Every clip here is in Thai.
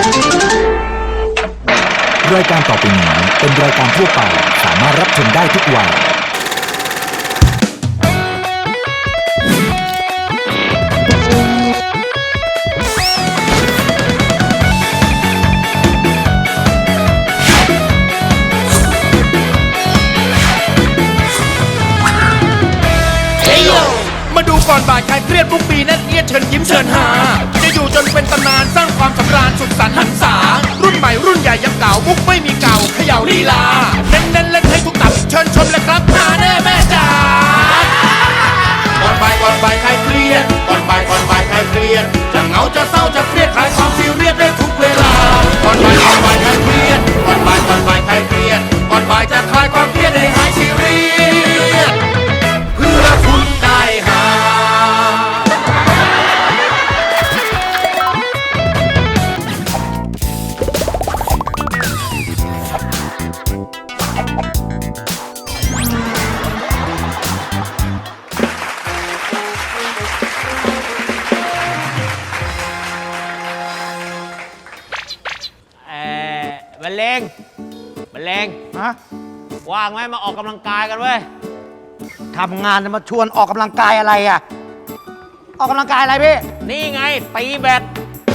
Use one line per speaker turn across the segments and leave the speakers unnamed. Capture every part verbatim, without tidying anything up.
รายการต่อไปนี้เป็นรายการทั่วไปสามารถรับชมได้ทุกวัย
มาดูก่อนบ่ายใครเครียดทุกปีนั่นเอียดเชิญยิ้มเชิญหาจะอยู่จนเป็นตำนานสร้างความสำราญสุดสันต์หันษารุ่นใหม่รุ่นใหญ่ยังเก่ามุกไม่มีเก่าเขย่าลีลาเน้นเน้นเล่นให้ทุกตับเชิญชมเลยครับหาแน่แม่จ๋าก่อนบ่ายก่อนบ่ายใครเครียดก่อนบ่ายก่อนบ่ายใครเครียดจะเหงาจะเศร้าจะเครียดคลายความซีเรียสได้ทุกเวลาก่อนบ่ายก่อนบ่ายใครเครียดก่อนบ่ายก่อนบ่ายใครเครียดก่อนบ่ายจะคลายความเครียดให้หายซีเรียสเพื่อคุณได้หา
บรรเลงบรรเลง
ฮะ
ว่างไหมมาออกกำลังกายกันเว้ย
ทำงานจะมาชวนออกกำลังกายอะไรอ่ะ ออกกำลังกายอะไรพี่
นี่ไงตีแบด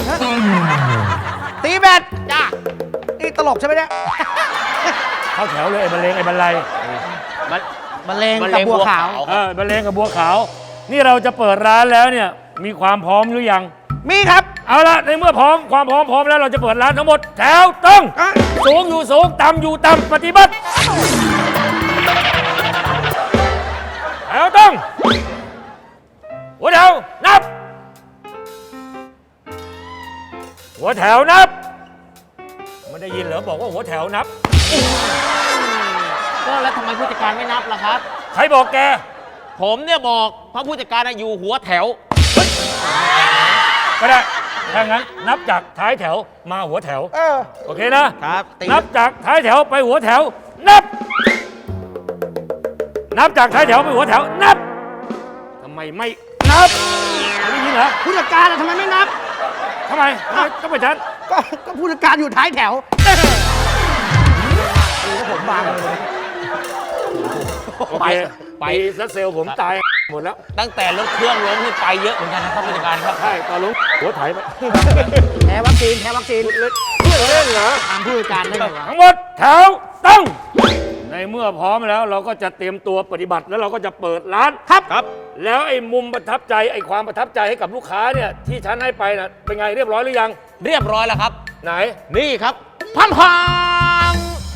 ตีแบด
จ้า
นี่ตลกใช่ไหมเนี่ย
เข้าแถวเลยไอ้บรรเลงไอ้บรรลัย
บรรเลงกับบัวขาว
เออบรรเลงกับบัวขาวนี่เราจะเปิดร้านแล้วเนี่ยมีความพร้อมหรือยัง
มีครับ
เอาละในเมื่อพร้อมความพร้อมพร้อมแล้วเราจะเปิดร้านทั้งหมดแถวต้อง
อ่ะ
สูงอยู่สูงต่ำอยู่ต่ำปฏิบัติแถวต้องหัวแถวนับหัวแถวนับไม่ได้ยินเหรอบอกว่าหัวแถวนับ
ก็แล้วทำไมผู้จัดการไม่นับล่ะครับ
ใครบอกแก
ผมเนี่ยบอกเพราะผู้จัดการอยู่หัวแถว
ก็ได้ถ้างั้นนับจากท้ายแถวมาหัวแถว
เออ
โอเคนะครับ
ตี
นับจากท้ายแถวไปหัวแถว นับ นับจากท้ายแถวไปหัวแถว นับทำไมไม่นับไม่ได้ยินเหรอ
ผู้จัดการอะทำไมไม่นับ
ทำไมทำไมต้องไปนฉัน
ก็ก็ผู้จัดการอยู่ท้ายแถวดูว่าผมบางเลย
โอเคไปซัดเซลล์ผมตายหมดแล้ว
ตั้งแต่รถเครื่องล้มนี่ไปเยอะเหมือนกันนะครับผู้จัดการครับ
ใช่ตอนลุงหัวไถไป
แพ้วัคซีนแพ้วัคซีน
เพื่อเล่นเหรอ
ตามผู้จัดการได้ไหมวะ
ทั้งหมดแถวต้องในเมื่อพร้อมแล้วเราก็จะเตรียมตัวปฏิบัติแล้วเราก็จะเปิดร้าน
ครับ
ครับ แล้วไอ้มุมประทับใจไอ้ความประทับใจให้กับลูกค้าเนี่ยที่ฉันให้ไปน่ะเป็นไงเรียบร้อยหรือยัง
เรียบร้อยแล้วครับ
ไหน
นี่ครับพัมพัง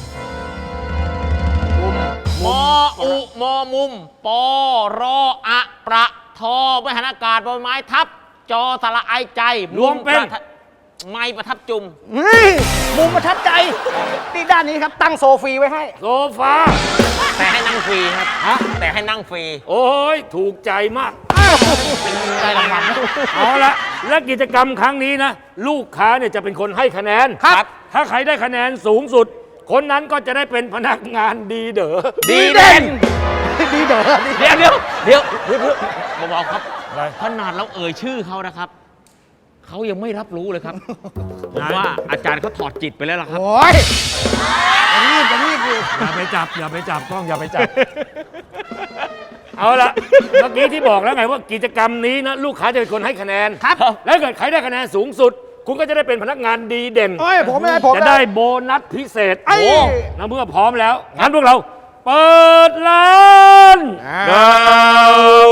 มออุมอมุมปอรออะประทอบริหารอากาศบนไม้ทับ จอสระไอใจ
รวมเป็น
ประทับไม้ประทับจุม
นี่มุมประทับใจนี่ด้านนี้ครับตั้งโซฟีไว้ให้
โซฟา
แต่ให้นั่งฟรีครับ
ฮะ
แต่ให้นั่งฟรี
โอ้ยถูกใจมาก
ได้รางวัล
เอาละและกิจกรรมครั้งนี้นะ ลูกค้าเนี่ยจะเป็นคนให้คะแนน
ครับ
ถ้าใครได้คะแนนสูงสุด คนนั้นก็จะได้เป็นพนักงานดีเด๋อ
ดีเด่น
ดีเด้อดี
เดี๋ยวเดี๋ยวเดี๋ยวเดี๋ยวเดี๋ยวเบาๆครับ
อะไร
ขนาดเราเอ่ยชื่อเขานะครับ เขายังไม่รับรู้เลยครับ ผมว่าอาจารย์เขาถอดจิตไปแล้วล่ะครับ
โอ้ยจะรีบจะรีบอยู่
อย่าไปจับอย่าไปจับกล้องอย่าไปจับ เอาละเมื่อกี้ที่บอกแล้วไงว่ากิจกรรมนี้นะลูกค้าจะเป็นคนให้คะแนน
ครับ
แล้วเกิดใครได้คะแนนสูงสุด คุณก็จะได้เป็นพนักงานดีเด่น
โอ้ยผมไม่ได้ผม
จะได้โบนัสพิเศษ
ไอ้
โอ้แล้วเมื่อพร้อมแล้วงั้นพวกเรา เปิดร้าน
อ่า
ดาว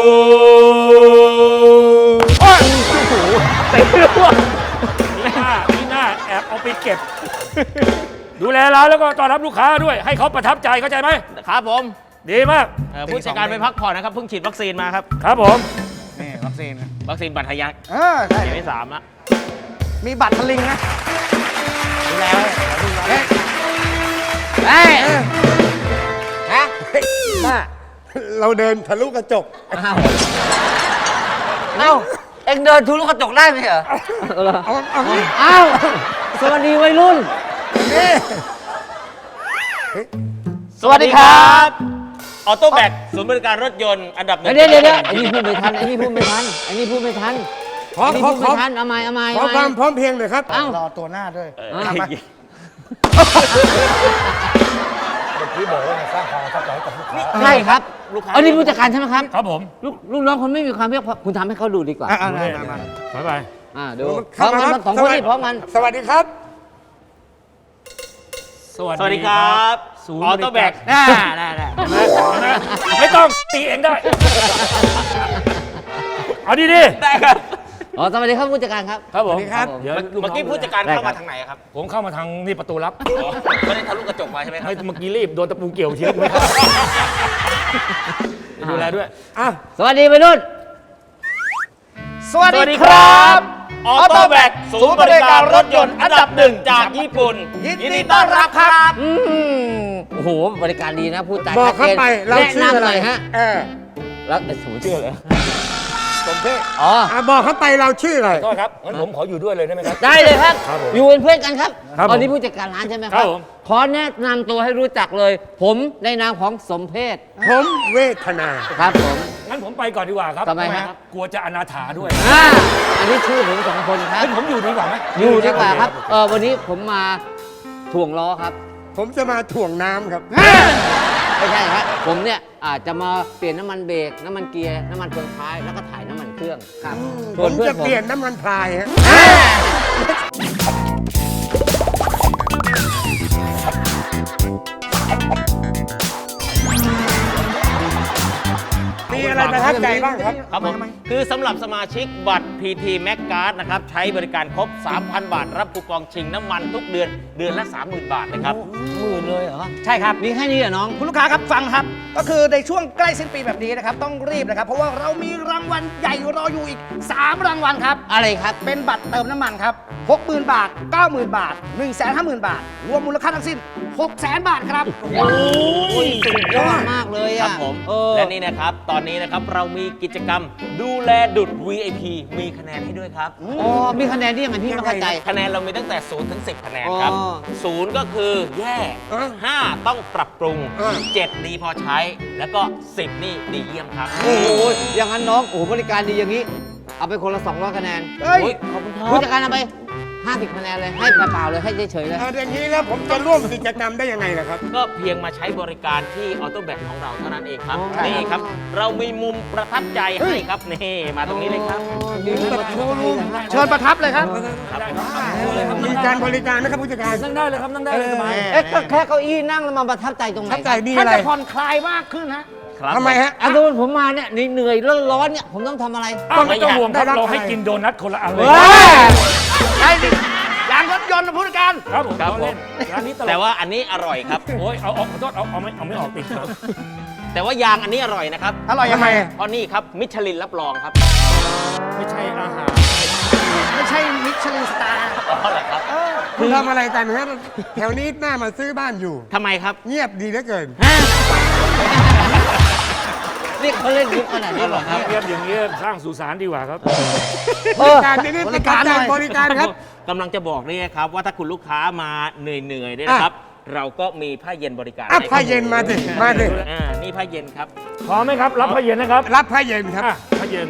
โอ้ย
เต็มเลยว่ะ
นี่หน้านี่หน้าแอบเอาไปเก็บ ดูแลร้านแล้วก็ต้อนรับลูกค้าด้วย ให้เขาประทับใจเข้าใจไหม
ครับผม
ดีมาก
เอ่อผู้จัดการไปพักผ่อนนะครับ เพิ่งฉีดวัคซีนมาครับ
ครับผม
นี่วัคซีนนะ
วัคซีนบัตรทะยัก
เออใช่
เข็มที่สามละ
มีบัตรทะลิงนะ
ดูแลไว้
เฮ้ย
เฮ้ยฮะ
มาเราเดินทะลุกระจก
อ้าวเอ้าเอ็งเดินทุลุกระจกได้ไหมเหรอ
เอาเอางี้
อ้าวสวัสดีวัยรุ่น
นี่
สวัสดีครับออโต้แบกศูนย์บริการรถยนต์อันดับหนึ่ง
เดี๋ยวเดี๋ยวเดี๋ยวไอ้นี่พูดไม่ทันไอ้นี่พูดไม่ทันไอ้นี่พูดไม่ทันขอ
นี่
ขอ
พูด
ขอ
ไม่ทันเอาใหม่เอาใหม่
ขอ
เอาให
ความ
ม่
พร้อมเพรียงหน่อยครับ
เอ้า
รอตัวหน้าด้วย
เออ
มา
ที่บอกว่าสร้างความประทับใจให้กับลูกค้า
ใช่ครับอันนี้ผู้จัดการใช่ไหมครับ
ครับผม
ลูกลูกน้องคนไม่มีความเพียรคุณทำให้เขาดูดีกว่า
อ่ะอ่ะมามามา
ไปไป
อ่าดูพร้อมกันสองคนนี่พร้อมกัน
สวัสดีครับ
สวัส
สวัสดีครับ
ศูนย์
ออโต้แบก
ริาร
ได้ได้ได้
นะไม่ต้องตีเองได้ เอาดีดิ
ได้ครับอ๋อสวัสดีครับผู้จัดการครับ
ครับผม
สวัสดีครับ
เดี๋ยวลู
เมื่อกี้
น้ง
ผู้จัดการ
ได้
เข้า
ค
มา
บ
ทางไหนครับ
ผมเข้ามาทางนี่ประตูลับ
ไม่ได้ทะลุกระจกมาใช่ไหมครับ
ไม่เมื่อกี้รีบโดนตะปูเกี่ยวเชียวไม่เข้าดูแลด้วย
อ่ะ
สวัสดีวัยรุ่น
สวัสดีครับ
ออโต้แบกศูนย์บริการรถยนต์อันดับหนึ่งจากญี่ปุ่น
ยินดีต้อนรับครับ
อืมโอ้โห บริการดีนะพูดจา
บอกเข้าไปเรา
แนะ
ชื่ออะ
นำห
ไร
น่อยฮะ
เออ
แล้วไอ้สูชื่ออะไร
สมเพศ
อ๋อ
อ่ะบอกเข้าไปเราชื่ออะไร
โทษครับงั้นผมขออยู่ด้วยเลยได้ไหมครับ
ได้เลยครับ
ครับผม
อยู่เป็นเพื่อนกันครับ
ครับผม
ตอนนี้ผู้จัดการร้านใช่ไหมค
ครั
รับบ
ผม
ขอแนะนำตัวให้รู้จักเลย ผมในนามของสมเพศ
ผมเวทนา
ครับผม
งั้นผมไปก่อนดีกว่าครับ
ทำไมฮะ
กลัวจะอนาถาด้วย
อ่าอันนี้ชื่อผมสองคนครับ
ให้ผมอยู่ดีกว่าไหม
อยู่ดีกว่าครับ เออวันนี้ผมมาถ่วงล้อครับ
ผมจะมาถ่วงน้ำครับ
ไม่ใช่ครับผมเนี่ยอาจจะมาเปลี่ยนน้ำมันเบรกน้ำมันเกียร์น้ำมันเฟืองท้ายแล้วก็ถ่ายน้ำมันเครื่องครับ
ผ
ส่วน
ม
เพื่อ
จะ
นผม
เปลี่ยนน้ำมันพรายฮะ มีอะไรประทับใจบ้างครับ
ครับผมคือสำหรับสมาชิกบัตร พี ที Mac Card นะครับ ใช้บริการครบ สามพัน บาท รับคูปองชิงน้ำมันทุกเดือน เดือนละ สามหมื่น บาทนะครับหมื่นเลยเหรอ
ใช่ครับ
มีแค่นี้เหรอน้อง
คุณลูกค้าครับฟังครับ ก็คือในช่วงใกล้สิ้นปีแบบนี้นะครับ ต้องรีบนะครับ เพราะว่าเรามีรางวัลใหญ่รออยู่อีก สาม รางวัลครับ
อะไรครับ
เป็นบัตรเติมน้ำมันครับ หกหมื่น บาท เก้าหมื่น บาท หนึ่งแสนห้าหมื่น บาท รวมมูลค่าทั้งสิ้น หกแสน บาทครับ
โอ้ยสุดยอดมากเลย
ครั
อ่ะ
บผม
เออ
และนี่นะครับ ตอนนี้นะครับเรามีกิจกรรมดูแลดุด วี ไอ พี มีคะแนนให้ด้วยครับ
อ๋อมีคะแนนที่ยังไงพี่ไม่เข้าใจ
คะแนนเรามีตั้งแต่ศูนย์ถึงสิบคะแนนครับ
อ๋อ
ศูนย์ก็คือแย่
เออ
ห้าต้องปรับปรุง
เออ
เจ็ดดีพอใช้ แล้วก็สิบนี่ดีเยี่ยมครับ
โอ้โหอย่างนั้นน้องโอ้โหบริการดีอย่างนี้ เอาไปคนละสองร้อยคะแนน
เฮ้ย
โอ้ยขอบคุณครั
ผู้
บ
จัดการเอาไปห้าสิบคะแนนเลย ให้เปล่าๆเลย ให้เฉยๆเลย
เอาอย่างนี้แล้วผมจะร่วมกิจกรรมได้ยังไงล่ะครับ
ก็เพียงมาใช้บริการที่ออโต้แบกของเราเท่านั้นเองครับ
อ๋อ
นี่ครับ เรามีมุมประทับใจให้ครับ นี่มาตรงนี้เลยครับ
ดีมาก
เชิญประทับเลยครับ
มีการบริการนะครับผู้จัดการ
นั่งได้เลยครับนั่งได้เลยสบาย
เอ๊ะก็แค่เก้าอี้นั่งแล้วมาประทับใจตรงไหน
ทับใจมี
ท่า
อะ
น
ไร
จะผ่อนคลายมากขึ้นฮะ
ครับ
ทำไมฮะ
อ่ะสมมติผมมาเนี่ยเหนื่อยๆร้อนๆเนี่ยผมต้องทำอะไร
อ้าวไม่ต้องห่วงครับ
ได้รับ
เราให้
อะไร
กินโดนัทคนละอันเลย
เฮ้ย
ไอ้นี่ยางรถยนต์นะผู้จัดการ
ครับผม
ครับ
เราเล่นร้านนี้ตลก
แต่ว่าอันนี้อร่อยครับ
โอ้ยเอาเอาขอโทษเอาเอาไม่เอาไม่ออกติดครับ
แต่ว่ายางอันนี้อร่อยนะครับ
อร่อยยังไง
เพราะนี่ครับมิชลินรับรองครับ
ไม่ใช่อาหาร
ไม่ใช่มิชลินสตาร์
อ๋อเหรอครับ
คุณทำอะไรกันฮะแถวนี้หน้ามาซื้อบ้านอยู่
ทำไมครับ
เงียบดีเหลือเกิน
นี่เขาเล่นยุคขนาดนี้เหรอครับ
เรียบอย่างนี้สร้างสุสานดีกว่าครับ
เออ
การนี้ประทับใจบริการครับ
กำลังจะบอกนี่ครับว่าถ้าคุณลูกค้ามาเหนื่อยๆเนี่ยนะครับ เราก็มีผ้าเย็นบริการ
อ่ะ
ให้
ผ้าเย็นมาสิมาสิ
อ่านี่ผ้าเย็นครับ
พร้อมไหมครับ รับผ้าเย็นนะครับ
รับผ้าเย็นครับ
อ่ะผ้าเย็น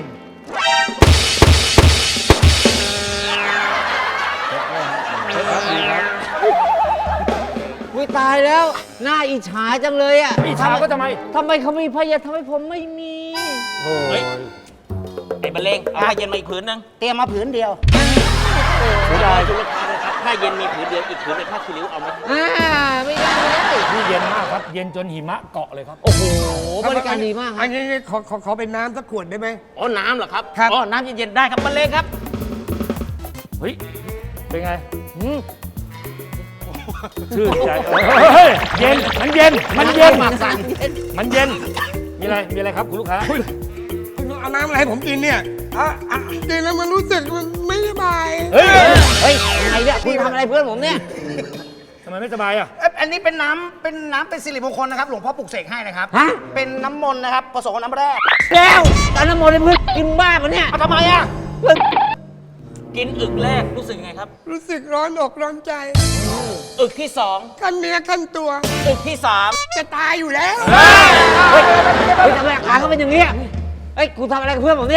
วิตายแล้วหน้าอิจฉาจังเลยอ่ะ
อิจฉาก็ทำไม
ทำไมเขามีพยาทำไมผมไม่มี
เฮ้ย ไอ้บรรเลงเอาผ้าเย็นมาอีกผืนนึง
เตรียมมาผืนเดียว
เสียดายคุณลูกค้าเลยครับผ้าเย็นมีผืนเดียวอีกผืนเป็นผ้าคีริ้วเอาไหม
อ่าไม่ได้ไม่ได้
นี่เย็นมากครับ เย็นจนหิมะเกาะเลยครับ
โอ้โหบริการดีมากค
อั
รับ
นนี้ขอขอขอเป็นน้ำสักขวดได้ไหม
อ๋อน้ำเหรอครับ
ครับ
อ๋อน้ำเย็นๆได้ครับบรรเลงครับ
เฮ้ย เป็นไงอืมชื่นใจเฮ้ยเย็น มันเย็น มันเย็น
หมากสั่น
มันเย็น มีอะไร มีอะไรครับคุณลูกค้า
คุณเอาน้ำอะไรให้ผมกินเนี่ยอ่ะอ่ะกินแล้วมันรู้สึกมันไม่สบาย
เฮ้ย
เฮ้ยยังไงเนี่ยคุณทำอะไรเพื่อนผมเนี่ย
ทำไมไม่สบายอ่ะ
เอ้ยอันนี้เป็นน้ำเป็นน้ำเป็นสิริมงคลนะครับ หลวงพ่อปลุกเสกให้นะครับ
ฮะ
เป็นน้ำมนต์นะครับผสมกับน้ำแร่
แก้วตอนน้ำมนต์ให้เพื่อนกินบ้าปะเนี่ย
เอาทำไมอ่ะ
เพื่อน
กินอึกแรกรู้สึกยังไงครับ
รู้สึกร้อนอกร้อนใจ
อึกที่สอง
ขั้นเนื้อขั้นตัว
อึกที่สาม
จะตายอยู่แล้ว
เฮ้ยทำไมอาการเขาเป็นอย่างเงี้ยเฮ้ยคุณทำอะไรกับเพื่อนผมเนี่ย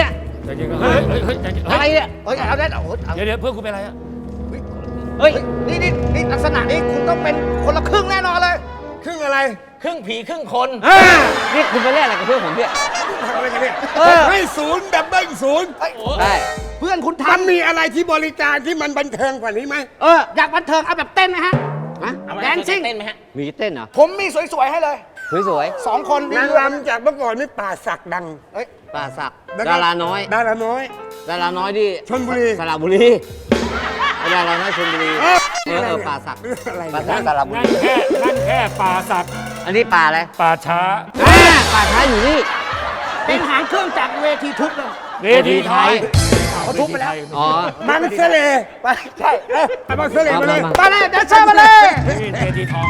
ใจเย็นก่อนเฮ้ยเฮ้ยเฮ้ยใจเย็น
อะไร
เฮ้ย
เนี่ย
เฮ้ยเอาได้เอาเอา
เดี๋ยวเดี๋ยวเพื่อนคุณเป็นอะไรอะ
เฮ้ย
นี่นี่นี่ลักษณะนี้คุณต้องเป็นคนละครึ่งแน่นอนเลย
ครึ่งอะไร
ครึ่งผีครึ่งคน
อ่า
นี่คุณไปเล่นอะไรกับเพื่อนผมเนี่ย
ทำอะไรกันเนี่ย
เออ
ให้ศูนย์ดับเบิลศูนย์
ได้
เพื่อนคุณ
มัน
ทำ
มีอะไรที่บริการที่มันบันเทิงกว่านี้ไหม
เอออยากบันเทิงเอาแบบเต้นไหมฮะ
เอามา
แดนซิ่ง
เต้นไหมฮะ
มีเต้นเหรอ
ผมมีสวยๆให้เลย
สวย
สองคน
นางรำจากเมื่อก่อนนี่ป่าศักดัง
เฮ้ย
ๆป่าศักดิ์
แล้วก็
ดาราน้อย
ดาราน้อย
ดาราน้อยที่
ชลบุรี
สระบุรีดาราน้อยชลบุรี
เออ
เออเออป่าศักดิ์
อะไร
ป่า
เนี่ย
ศักดิ์สระบุ
นั่
รี
นแค่นั่นแค่ป่าสัก
อันนี้ป่าอะไร
ป่าช้า
อ่าป่าช้าอยู่นี่
เป็นหางเครื่องจากเวทีทุบเลย
เวทีไทย
เขาทุบไปแล้ว
อ๋อ
มังเสล
ไปใช่
เอ้ยเอามังเสลมาเลย
มา
มาเลยแดนเซอร์มาเลย
นี่เวทีทอง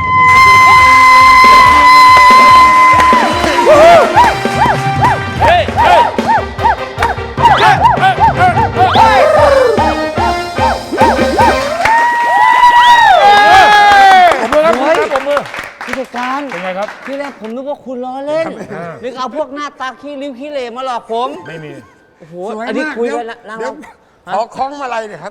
เฮ้ยเฮ้ยเฮ้ยเฮ้ยเฮ้ยผมมือครับผมมือครับผมมือ
ผู้จัดการ
เป็นไงครับ
ที่แรกผมนึกว่าคุณล้อเล่นนึกเอาพวกหน้าตาขี้ริ้วขี้เหร่มาหลอกผม
ไม่มี
โอ้โห
สวย
อันนี้
มาก
คุย
เดี๋
กั
วน
นะนั่ง
เดี๋ยว
ร
ขอคล้องมาลัยหน่อยครับ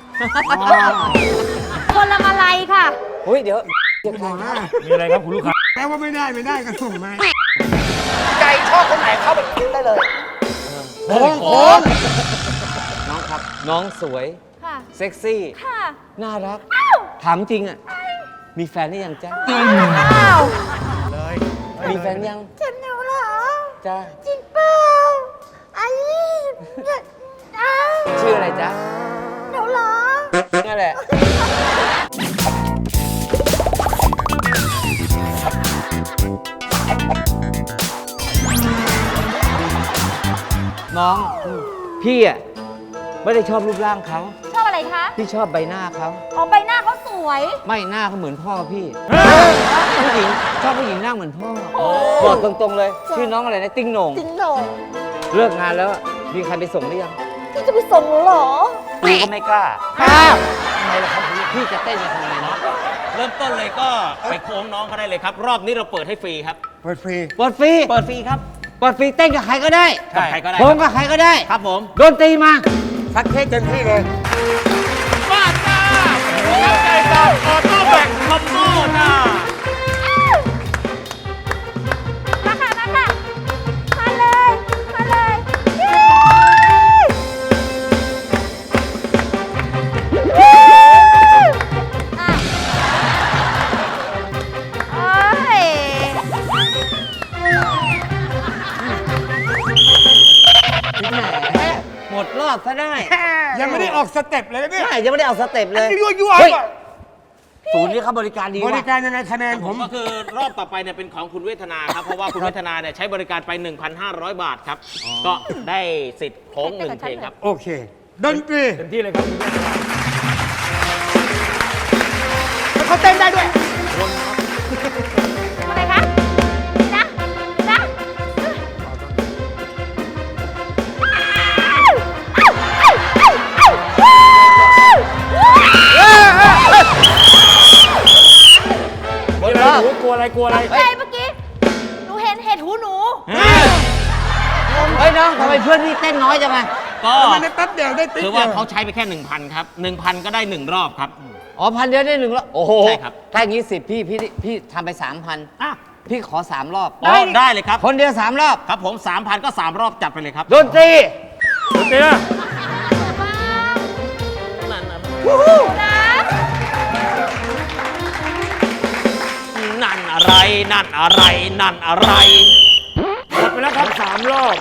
คนละมาลัยค่ะ
เฮ้ยเดี๋ยว
มีอะไรครับคุณลูกค้า
แปลว่าไม่ได้ไม่ได้ก็ส่งมา
ใจชอบคนไหนเข้าไปกินได้เลย
โค้งโค้ง
น้องครับ น้องสวย
ค่ะ
เซ็กซี่
ค่ะ
น่ารัก ถามจริงอ่ะ มีแฟนหรือยังจ๊ะ
อ้าว
มีแฟนยัง
ฉันหนูเหรอ
จ้า
จริงเปล่าไอ้อ้าว
ชื่ออะไรจ๊ะ
หนูเหรอ
นั่นแหละ น้อง พี่อ่ะ ไม่ได้ชอบรูปร่างเขา
ชอบอะไรคะ
พี่ชอบใบหน้าเขา
อ๋อใบหน้าเขาสวย
ไม่หน้าเขาเหมือนพ่อพี่ ผู้หญิงชอบผู้หญิงหน้าเหมือนพ่อบอกตรงๆเลย ชื่อน้องอะไรนะ ติ้งโหน่ง
จริงเหรอ
เลิกงานแล้ว มีใครไปส่งหรือยัง
พี่จะไปส่งหนูเหรอ
กูก็ไม่กล้าข้าวทำไมล่ะครับพี่จะเต้นจะทำไงเนาะ
เริ่มต้นเลยก็ไปโค้งน้องเขาได้เลยครับ รอบนี้เราเปิดให้ฟรีครับ
เปิดฟรี
เปิดฟรี
เปิดฟรีครับ
เปิดฟรีเต้นกับใครก็ได้
กับใครก็ได้
โค้งกับใครก็ได้
ครับผม
ดนตรีมา
ซักเทศเต็มที่เลย
บ้าจ้ารับใจจ้าออโต้แบกคอมโบจ้า
มาค่ะ มาค่ะ มาเลย มาเลยอ่ะโอ้ย
แหมหมดรอบซะได้
ยังไม่ได้ออกสเต็ปเลยนะเนี่ย
ไม่ยังไม่ได้เอาสเต็ปเลย
ยั่วยั่ว
เฮ้ย
ก่อน
ศูนย์นี้เขาบริการดี
บ
ว่ะ
ริการยังไงคะแนน
ผ
ผม ม
ก็คือรอบต่อไปเนี่ยเป็นของคุณเวทนาครับ เพราะว่าคุณเวทนาเนี่ยใช้บริการไป หนึ่งพันห้าร้อย บาทครับ ก็ได้สิทธิ์โค้งหนึ่งเพลงครับ
โอเค ดนตรี
เต็มที่เลยครับคุณแม่
เขาเต้นได้ด้วย
อะไรคะนะนะ
หมด
มี
ร
อะไร
อบ
หนูกลัวอะไรกลัวอะไร
ใช่เมื่อกี้ หนูเห็นเห็ดหูหนู
เฮ้ยน้องทำไมเพื่อนพี่เต้นน้อยจังไง
ก็
มันได้แป๊บเดียวได้ติ๊ก
คือ
เดี
ว่า
ยว
เขาใช้ไปแค่ หนึ่งพัน ครับ หนึ่งพัน ก็ได้หนึ่งรอบครับ
อ๋อพันเดียวได้หนึ่งรอบโอ้โห
ใช่ครับ
ถ้าอย่างนี้สิพี่พี่พี่ทำไปสามพันพี่ขอสามรอบ
อ๋อได้เลยครับ
คนเดียวสามรอบ
ครับผม สามพัน ก็สามรอบจัดไปเลยครับ
ดนตรี
ดนตรีนะ
นั่นอะไร นั่นอะไร นั่นอะไร
หมดไปแล้วครับสามรอบ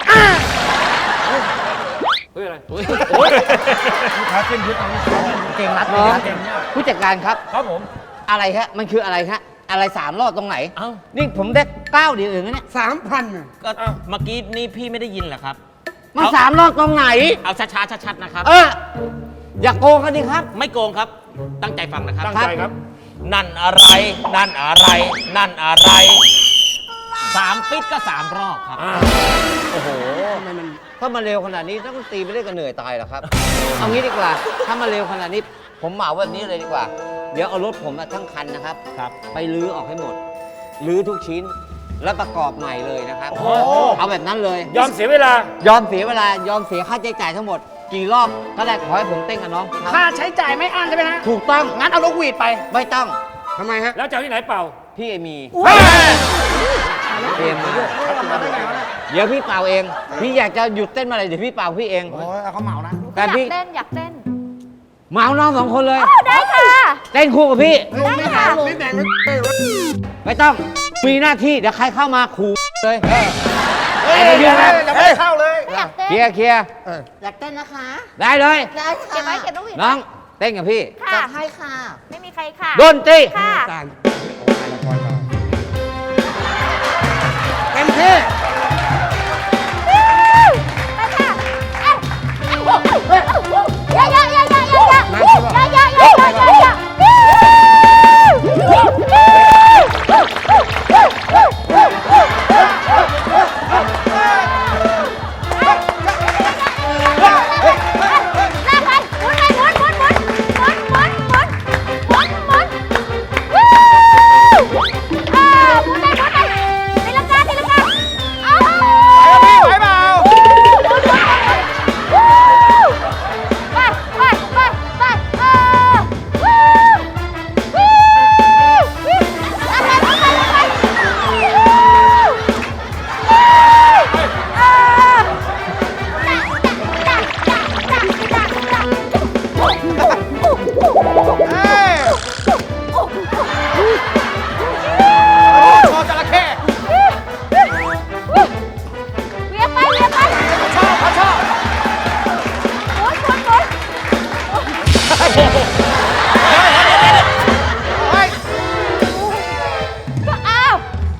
เฮ้ยอะไรโอ้ยลูกค้าเส้นยึดเอาลูกค้า
เก่งรัด
น้อง
เก่ง
ผู้จัดการครับ
ครับผม
อะไรฮะมันคืออะไรฮะอะไรสามรอบตรงไหน
เอ้า
นี่ผมได้เก้าเดียวเองนะเนี่ย
สามพัน
ก็เมื่อกี้นี่พี่ไม่ได้ยินเหรอครับ
มันสามรอบตรงไหน
เอาช้าๆชัดๆนะครับ
เอออย่าโกงกันดิครับ
ไม่โกงครับ ตั้งใจฟังนะครับ
ตั้งใจครับ
นั่นอะไร นั่นอะไร นั่นอะไร สามปิดก็สามรอบครับ
อ่า
โอ้โหถ้ามาเร็วขนาดนี้นักดนตรีไม่ได้กันเหนื่อยตายหรอกครับ เอางี้ดีกว่า ถ้ามาเร็วขนาดนี้ ผมเหมาแบบนี้เลยดีกว่า เดี๋ยวเอารถผมอะทั้งคันนะครับ
ครับ
ไปลื้อออกให้หมด ลื้อทุกชิ้นแล้วประกอบใหม่เลยนะครับ
โอ้
เอาแบบนั้นเลย
ยอมเสียเวลา
ยอมเสียเวลายอมเสียค่าใช้จ่ายทั้งหมด กี่รอบก็ได้ขอให้ผมเต้นกับน้องครับ
ค่าใช้จ่ายไม่อั้นใช่ไหมฮะ
ถูกต้อง
งั้นเอานกหวีดไป
ไม่ต้อง
ทำไมฮะ
แล้วจะเอาที่ไหนเป่า
พี่เอมี
เฮ้ย
เตรียมมา
มาได้ไงวะเนี่ย
เดี๋ยวพี่เป่าเอง พี่อยากจะหยุดเต้นเมื่อไหร่เดี๋ยวพี่เป่าพี่เอง
โอ้ยเอาเขาเหมานะ
แต่
อยาก
พี่
เต้น อยากเต้น
เหมาน้องสองคนเลย
โอ้ได้ค่ะ
เต้นคู่กับพี่
ได้ค่ะ
นี่แดงไม่เต้นวะ
ไม่ต้อง มีหน้าที่เดี๋ยวใครเข้ามาขู่เลย
เฮ้ย
ไอ้เดี๋ยวนะ
ยังไม่ได้เข้าเลย
อยากเต้น
เคลียร์เคลียร์
อยากเต้นนะคะ
ได้เลย
ได้ค่ะเก็บไว้เก็บต้องหวีด
น้องเต้นกับพี่
ค่ะให้ค่ะ ไม่มีใครค่ะ
ดนตรี
ค่ะ
การเต็มที่
ไปค่ะเอ้ยเอ้ยเยอะเยอะเยอะเยอะเยอะเยอะเยอะเยอะเยอะเยอะเยอะเยอะลากไปหมุนเลยหมุนหมุนหมุนหมุนหมุนหมุนหมุนหมุนวู้อ่าหมุนเลยหมุนเลยตีลังกาตีลังกาอ้าว
ไหวเปล่า
ไปไปไปไปเออวู้วู้วู้ลงไปลงไปลงไปวู้เออจักจักจักจักจักจัก
เฮ้ยโชว์จระเข้
เวียไปเวียไป
ชอบเขาชอบ
หมุนหมุนหมุน
เฮ้ย
ก็อ้าว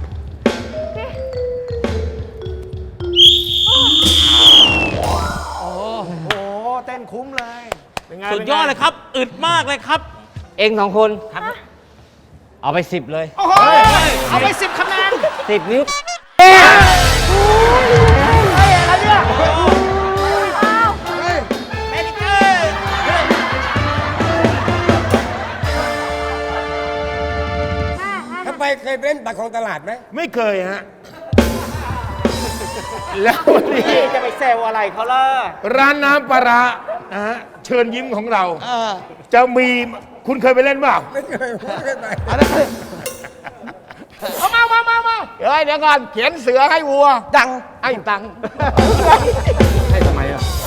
โอ้โห เต้นคุ้มเลย
เป็นไง
สุดยอดเลยครับ อึดมากเลยครับ
เองสองคน เอาไปสิบเลย
โอ้โห เอาไปสิบคะแนน
สิบนิ้ว
เฮ้ยอะไรเนี่ย
อ้าว
ทำไมเคยไปเล่นบัตรของตลาดไหม
ไม่เคยฮะ แล้ววันนี้
พี่จะไปแซวอะไรเขาล่ะ
ร้านน้ำปลาร้านะฮะเชิญยิ้มของเรา จะมีคุณเคยไปเล่นเปล่า
ไม่เคยไม่เคยไป
เอามามามามาเฮ้ย เดี๋ยวก่อน เขียนเสือให้วัว
ดัง
ให้ตังค์ให้ทำไมอ่ะ